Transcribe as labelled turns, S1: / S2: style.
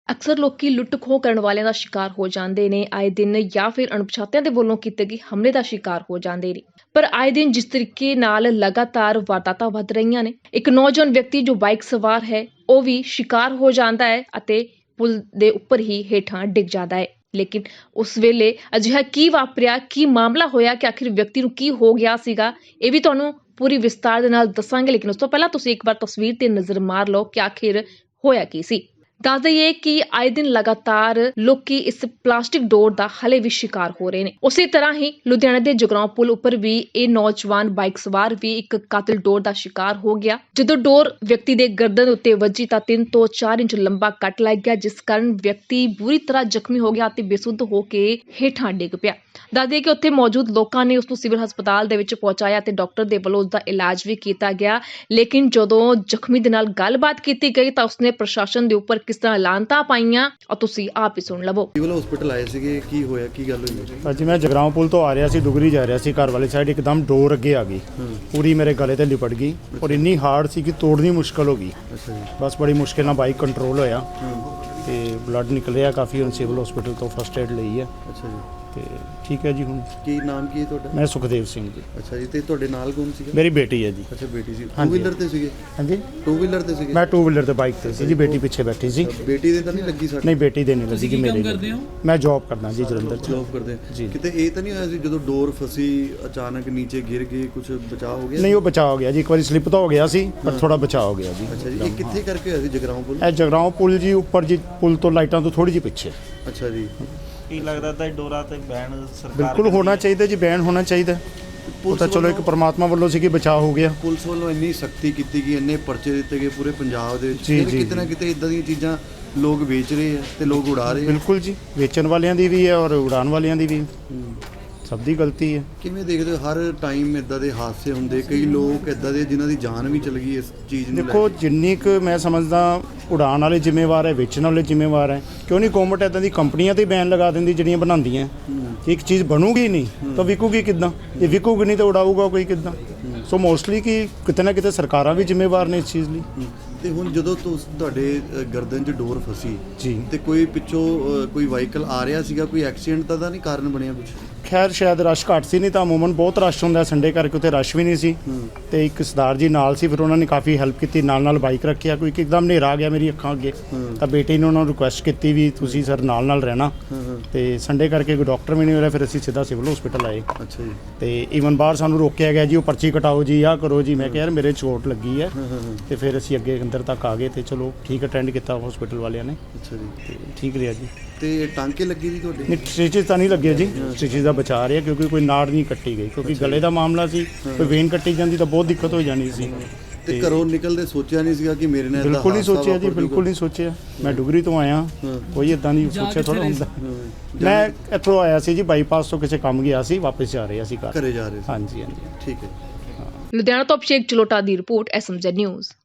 S1: ਅਕਸਰ ਲੋਕੀ ਲੁੱਟ ਖੋਹ ਕਰਨ ਵਾਲਿਆਂ ਦਾ ਸ਼ਿਕਾਰ ਹੋ ਜਾਂਦੇ ਨੇ ਆਏ ਦਿਨ ਜਾਂ ਫਿਰ ਅਣਪਛਾਤਿਆਂ ਦੇ ਵੱਲੋਂ ਕੀਤੇ ਗਏ ਹਮਲੇ ਦਾ ਸ਼ਿਕਾਰ ਹੋ ਜਾਂਦੇ ਨੇ। ਪਰ ਆਏ ਦਿਨ ਜਿਸ ਤਰੀਕੇ ਨਾਲ ਲਗਾਤਾਰ ਵਾਰਦਾਤਾਂ ਵੱਧ ਰਹੀਆਂ ਨੇ, ਇੱਕ ਨੌਜਵਾਨ ਵਿਅਕਤੀ ਜੋ ਬਾਈਕ ਸਵਾਰ ਹੈ ਉਹ ਵੀ ਸ਼ਿਕਾਰ ਹੋ ਜਾਂਦਾ ਹੈ ਅਤੇ ਪੁਲ ਦੇ ਉੱਪਰ ਹੀ ਹੇਠਾਂ ਡਿੱਗ ਜਾਂਦਾ ਹੈ। ਲੇਕਿਨ ਉਸ ਵੇਲੇ ਅਜਿਹਾ ਕੀ ਵਾਪਰਿਆ, ਕੀ ਮਾਮਲਾ ਹੋਇਆ ਕਿ ਆਖਿਰ ਵਿਅਕਤੀ ਨੂੰ ਕੀ ਹੋ ਗਿਆ ਸੀਗਾ, ਇਹ ਵੀ ਤੁਹਾਨੂੰ ਪੂਰੀ ਵਿਸਤਾਰ ਦੇ ਨਾਲ ਦੱਸਾਂਗੇ। ਲੇਕਿਨ ਉਸ ਤੋਂ ਪਹਿਲਾਂ ਤੁਸੀਂ ਇੱਕ ਵਾਰ ਤਸਵੀਰ ਤੇ ਨਜ਼ਰ ਮਾਰ ਲਓ ਕਿ ਆਖਿਰ ਹੋਇਆ ਕੀ ਸੀ। ਦੱਸ ਦਈਏ ਕਿ ਆਏ ਦਿਨ ਲਗਾਤਾਰ ਲੋਕੀ ਇਸ ਪਲਾਸਟਿਕ ਡੋਰ ਦਾ ਹਲੇ ਵੀ ਸ਼ਿਕਾਰ ਹੋ ਰਹੇ ਨੇ। ਉਸੇ ਤਰ੍ਹਾਂ ਹੀ ਲੁਧਿਆਣਾ ਦੇ ਜਗਰਾਉਂ ਪੁਲ ਉੱਪਰ ਵੀ ਇਹ ਨੌਜਵਾਨ ਬਾਈਕ ਸਵਾਰ ਵੀ ਇੱਕ ਕਾਤਲ ਡੋਰ ਦਾ ਸ਼ਿਕਾਰ ਹੋ ਗਿਆ। ਜਦੋਂ ਡੋਰ ਵਿਅਕਤੀ ਦੇ ਗਰਦਨ ਉੱਤੇ ਵੱਜੀ ਤਾਂ 3 ਤੋਂ 4 ਇੰਚ ਲੰਬਾ ਕੱਟ ਲੱਗ ਗਿਆ, ਜਿਸ ਕਾਰਨ ਵਿਅਕਤੀ ਬੁਰੀ ਤਰ੍ਹਾਂ ਜ਼ਖਮੀ ਹੋ ਗਿਆ ਅਤੇ ਬੇਸੁੱਧ ਹੋ ਕੇ ਹੇਠਾਂ ਡਿੱਗ ਪਿਆ। ਦੱਸ ਦਈਏ ਕਿ ਉੱਥੇ ਮੌਜੂਦ ਲੋਕਾਂ ਨੇ ਉਸ ਨੂੰ ਸਿਵਲ ਹਸਪਤਾਲ ਦੇ ਵਿੱਚ ਪਹੁੰਚਾਇਆ ਤੇ ਡਾਕਟਰ ਦੇ ਵੱਲੋਂ ਉਸ ਦਾ ਇਲਾਜ ਵੀ ਕੀਤਾ ਗਿਆ। ਲੇਕਿਨ ਜਦੋਂ ਜ਼ਖਮੀ ਦੇ ਨਾਲ ਗੱਲਬਾਤ ਕੀਤੀ ਗਈ ਤਾਂ ਉਸਨੇ ਪ੍ਰਸ਼ਾਸਨ ਦੇ ਉੱਪਰ ਕਿਸ ਤਰ੍ਹਾਂ ਲਾਂਤਾਂ ਪਾਈਆਂ ਔਰ ਤੁਸੀਂ ਆਪ ਹੀ ਸੁਣ ਲਵੋ।
S2: ਸਿਵਲ ਹਸਪੀਟਲ ਆਏ ਸੀਗੇ, ਕੀ ਹੋਇਆ, ਕੀ ਗੱਲ ਹੋਈ?
S3: ਅੱਜ ਮੈਂ ਜਗਰਾਉਂ ਪੁਲ ਤੋਂ ਆ ਰਿਹਾ ਸੀ, ਡੁਗਰੀ ਜਾ ਰਿਹਾ ਸੀ, ਘਰ ਵਾਲੀ ਸਾਈਡ ਇੱਕਦਮ ਡੋਰ ਅੱਗੇ ਆ ਗਈ, ਪੂਰੀ ਮੇਰੇ ਗਲੇ ਤੇ ਲਿਪਟ ਗਈ ਔਰ ਇੰਨੀ ਹਾਰਡ ਸੀ ਕਿ ਤੋੜਨੀ ਮੁਸ਼ਕਲ ਹੋ ਗਈ।
S2: ਅੱਛਾ ਜੀ।
S3: ਬਸ ਬੜੀ ਮੁਸ਼ਕਿਲ ਨਾਲ ਬਾਈਕ ਕੰਟਰੋਲ ਹੋਇਆ ਤੇ ਬਲੱਡ ਨਿਕਲ ਰਿਹਾ ਕਾਫੀ। ਹੁਣ ਸਿਵਲ ਹਸਪੀਟਲ ਤੋਂ ਫਸਟ ਏਡ ਲਈ ਹੈ
S2: ਅੱਛਾ ਜੀ।
S3: ਤੇ ਠੀਕ ਹੈ ਜੀ। ਹੁਣ
S2: ਕੀ ਨਾਮ ਕੀ ਹੈ ਤੁਹਾਡਾ?
S3: ਮੈਂ ਸੁਖਦੇਵ ਸਿੰਘ ਜੀ।
S2: ਅੱਛਾ ਜੀ। ਤੇ ਤੁਹਾਡੇ ਨਾਲ ਕੌਣ ਸੀਗਾ?
S3: ਮੇਰੀ ਬੇਟੀ ਹੈ ਜੀ।
S2: ਅੱਛਾ, ਬੇਟੀ ਸੀ। ਟੂ
S3: ਹਾਂਜੀ।
S2: ਵੀਲਰ ਤੇ ਸੀਗੇ?
S3: ਹਾਂਜੀ,
S2: ਟੂ ਵੀਲਰ ਤੇ ਸੀਗੇ।
S3: ਮੈਂ 2 ਵੀਲਰ ਤੇ ਬਾਈਕ ਤੇ ਸੀ ਜੀ, ਬੇਟੀ ਪਿੱਛੇ ਬੈਠੀ ਸੀ।
S2: ਬੇਟੀ ਦੇ ਤਾਂ ਨਹੀਂ ਲੱਗੀ ਸੱਟ?
S3: ਨਹੀਂ, ਬੇਟੀ ਦੇ ਨਹੀਂ ਲੱਗੀ ਜੀ। ਮੇਰੇ
S4: ਕਰਦੇ ਹੋ?
S3: ਮੈਂ ਜੌਬ ਕਰਦਾ ਜੀ ਜਲੰਧਰ ਚ।
S2: ਜੌਬ ਕਰਦੇ
S3: ਜੀ।
S2: ਕਿਤੇ ਇਹ ਤਾਂ ਨਹੀਂ ਹੋਇਆ ਸੀ ਜਦੋਂ ਡੋਰ ਫਸੀ ਅਚਾਨਕ ਨੀਚੇ ਗਿਰ ਗਈ, ਕੁਝ ਬਚਾਅ ਹੋ ਗਿਆ?
S3: ਨਹੀਂ, ਉਹ ਬਚਾਅ ਹੋ ਗਿਆ ਜੀ। ਇੱਕ ਵਾਰੀ ਸਲਿੱਪ ਤਾਂ ਹੋ ਗਿਆ ਸੀ ਪਰ ਥੋੜਾ ਬਚਾਅ ਹੋ ਗਿਆ ਜੀ।
S2: ਅੱਛਾ ਜੀ। ਇਹ ਕਿੱਥੇ ਕਰਕੇ ਹੋਇਆ ਸੀ? ਜਗਰਾਉਂ ਪੁਲ?
S3: ਇਹ ਜਗਰਾਉਂ ਪੁਲ ਜੀ ਉੱਪਰ ਜੀ, ਪੁਲ ਤੋਂ ਲਾਈਟਾਂ ਤੋਂ ਥੋੜੀ ਜਿਹੀ ਪਿੱਛੇ।
S2: ਅੱਛਾ ਜੀ।
S4: ਕੀ ਲੱਗਦਾ ਤਾਂ ਡੋਰਾ ਤੇ ਬੈਨ ਸਰਕਾਰ
S3: ਬਿਲਕੁਲ ਹੋਣਾ ਚਾਹੀਦਾ ਜੀ, ਬੈਨ ਹੋਣਾ ਚਾਹੀਦਾ। ਉਹ ਤਾਂ ਚਲੋ ਇੱਕ ਪਰਮਾਤਮਾ ਵੱਲੋਂ ਸੀ ਕਿ ਬਚਾਅ ਹੋ ਗਿਆ।
S2: ਪੁਲਿਸ ਵੱਲੋਂ ਇੰਨੀ ਸਖਤੀ ਕੀਤੀ ਗਈ, ਇੰਨੇ ਪਰਚੇ ਦਿੱਤੇ ਗਏ ਪੂਰੇ ਪੰਜਾਬ ਦੇ ਵਿੱਚ,
S3: ਜੀ,
S2: ਫਿਰ
S3: ਜੀ,
S2: ਕਿਤੇ ਨਾ ਕਿਤੇ ਇਦਾਂ ਦੀਆਂ ਚੀਜ਼ਾਂ ਲੋਕ ਵੇਚ ਰਹੇ ਆ ਤੇ ਲੋਕ ਉਡਾ ਰਹੇ ਆ।
S3: ਬਿਲਕੁਲ ਜੀ, ਵੇਚਣ ਵਾਲਿਆਂ ਦੀ ਵੀ ਹੈ ਔਰ ਉਡਾਣ ਵਾਲਿਆਂ ਦੀ ਵੀ, ਸਭ ਦੀ ਗਲਤੀ ਹੈ।
S2: ਕਿਵੇਂ ਦੇਖਦੇ ਹੋ ਹਰ ਟਾਈਮ ਇਦਾਂ ਦੇ ਹਾਦਸੇ ਹੁੰਦੇ, ਕਈ ਲੋਕ ਇਦਾਂ ਦੇ ਜਿਨ੍ਹਾਂ ਦੀ ਜਾਨ ਵੀ ਚਲ ਗਈ ਇਸ ਚੀਜ਼ ਨੂੰ ਲੈ
S3: ਦੇਖੋ,
S2: ਕੇ?
S3: ਜਿੰਨੀ ਕੁ ਮੈਂ ਸਮਝਦਾ ਉਡਾਣ ਵਾਲੇ ਜ਼ਿੰਮੇਵਾਰ ਹੈ, ਵੇਚਣ ਵਾਲੇ ਜ਼ਿੰਮੇਵਾਰ ਹੈ। ਕਿਉਂ ਨਹੀਂ ਗੌਰਮੈਂਟ ਇਦਾਂ ਦੀ ਕੰਪਨੀਆਂ ਤੇ ਬੈਨ ਲਗਾ ਦਿੰਦੀ ਜਿਹੜੀਆਂ ਬਣਾਉਂਦੀਆਂ? ਇੱਕ ਚੀਜ਼ ਬਣੂਗੀ ਨਹੀਂ ਤਾਂ ਵਿਕੂਗੀ ਕਿੱਦਾਂ? ਜੇ ਵਿਕੂਗੀ ਨਹੀਂ ਤਾਂ ਉਡਾਊਗਾ ਕੋਈ ਕਿੱਦਾਂ? ਸੋ ਮੋਸਟਲੀ ਕਿ ਕਿਤੇ ਨਾ ਕਿਤੇ ਸਰਕਾਰਾਂ ਵੀ ਜ਼ਿੰਮੇਵਾਰ ਨੇ ਇਸ ਚੀਜ਼ ਲਈ।
S2: ਤੇ ਹੁਣ ਜਦੋਂ ਤੁਹਾਡੇ ਗਰਦਨ 'ਚ ਡੋਰ ਫਸੀ
S3: ਜੀ,
S2: ਤੇ ਕੋਈ ਪਿੱਛੋਂ ਕੋਈ ਵਾਹੀਕਲ ਆ ਰਿਹਾ ਸੀਗਾ, ਕੋਈ ਐਕਸੀਡੈਂਟ ਦਾ ਤਾਂ ਨਹੀਂ ਕਾਰਨ ਬਣਿਆ ਕੁਝ?
S3: ਖੈਰ ਸ਼ਾਇਦ ਰਸ਼ ਘੱਟ ਸੀ, ਨਹੀਂ ਤਾਂ ਅਮੂਮਨ ਬਹੁਤ ਰਸ਼ ਹੁੰਦਾ ਸੰਡੇ ਕਰਕੇ, ਉੱਥੇ ਰਸ਼ ਵੀ ਨਹੀਂ ਸੀ। ਤੇ ਇੱਕ ਸਰਦਾਰ ਜੀ ਨਾਲ ਸੀ, ਫਿਰ ਉਹਨਾਂ ਨੇ ਕਾਫੀ ਹੈਲਪ ਕੀਤੀ, ਨਾਲ ਬਾਈਕ ਰੱਖਿਆ। ਕੋਈ ਇੱਕਦਮ ਹਨੇਰਾ ਆ ਗਿਆ ਮੇਰੀ ਅੱਖਾਂ ਅੱਗੇ, ਤਾਂ ਬੇਟੇ ਨੇ ਉਹਨਾਂ ਨੂੰ ਰਿਕੁਐਸਟ ਕੀਤੀ ਵੀ ਤੁਸੀਂ ਸਰ ਨਾਲ ਰਹਿਣਾ। ਤੇ ਸੰਡੇ ਕਰਕੇ ਕੋਈ ਡਾਕਟਰ ਵੀ ਨਹੀਂ ਹੋ ਰਿਹਾ, ਫਿਰ ਅਸੀਂ ਸਿੱਧਾ ਸਿਵਲ ਹਸਪੀਟਲ ਆਏ।
S2: ਅੱਛਾ ਜੀ।
S3: ਤੇ ਈਵਨ ਬਾਹਰ ਸਾਨੂੰ ਰੋਕਿਆ ਗਿਆ ਜੀ, ਉਹ ਪਰਚੀ ਕਟਾਓ ਜੀ, ਆਹ ਕਰੋ ਜੀ। ਮੈਂ ਕਿਹਾ ਯਾਰ ਮੇਰੇ ਚੋਟ ਲੱਗੀ ਹੈ। ਤੇ ਫਿਰ ਅਸੀਂ ਅੱਗੇ ਅੰਦਰ ਤੱਕ ਆ ਗਏ ਤੇ ਚਲੋ ਠੀਕ ਅਟੈਂਡ ਕੀਤਾ ਹਸਪੀਟਲ ਵਾਲਿਆਂ ਨੇ
S2: ਅੱਛਾ ਜੀ।
S3: ਤੇ ਠੀਕ ਰਿਹਾ ਜੀ।
S2: ਤੇ ਟਾਂਕੇ ਲੱਗੇ ਜੀ ਤੁਹਾਡੇ?
S3: ਨਹੀਂ, ਸਟਿਚਿਸ ਤਾਂ ਨਹੀਂ ਲੱਗੇ ਜੀ, ਸਟਿਚਿਸ ਦਾ ਬਚਾ ਰਿਹਾ ਕਿਉਂਕਿ ਕੋਈ ਨਾੜ ਨਹੀਂ ਕੱਟੀ ਗਈ, ਕਿਉਂਕਿ ਗਲੇ ਦਾ ਮਾਮਲਾ ਸੀ। ਕੋਈ ਵੇਨ ਕੱਟੀ ਜਾਂਦੀ ਤਾਂ ਬਹੁਤ ਦਿੱਕਤ ਹੋ ਜਾਣੀ ਸੀ।
S2: ਤੇ ਘਰੋਂ ਨਿਕਲਦੇ ਸੋਚਿਆ ਨਹੀਂ ਸੀਗਾ ਕਿ ਮੇਰੇ ਨਾਲ ਏਦਾਂ
S3: ਬਿਲਕੁਲ ਨਹੀਂ
S2: ਹਾਦਸਾ
S3: ਸੋਚਿਆ ਜੀ,
S2: ਵਾਪਰ
S3: ਬਿਲਕੁਲ ਨਹੀਂ ਸੋਚਿਆ। ਮੈਂ ਡੁਗਰੀ ਤੋਂ ਆਇਆ, ਕੋਈ ਇਦਾਂ ਨਹੀਂ ਸੋਚਿਆ ਥੋੜਾ ਹੁੰਦਾ। ਮੈਂ ਇੱਥੋਂ ਆਇਆ ਸੀ ਜੀ, ਬਾਈਪਾਸ ਤੋਂ ਕਿਸੇ ਕੰਮ ਗਿਆ ਸੀ, ਵਾਪਸ ਜਾ ਰਿਹਾ ਸੀ ਘਰ।
S2: ਘਰੇ ਜਾ ਰਹੇ ਸੀ?
S3: ਹਾਂਜੀ ਹਾਂਜੀ।
S2: ਠੀਕ ਹੈ।
S1: ਲੁਧਿਆਣਾ ਤੋਂ ਅਭਿਸ਼ੇਕ ਚਲੋਟਾ ਦੀ ਰਿਪੋਰਟ, SMZ ਨਿਊਜ਼।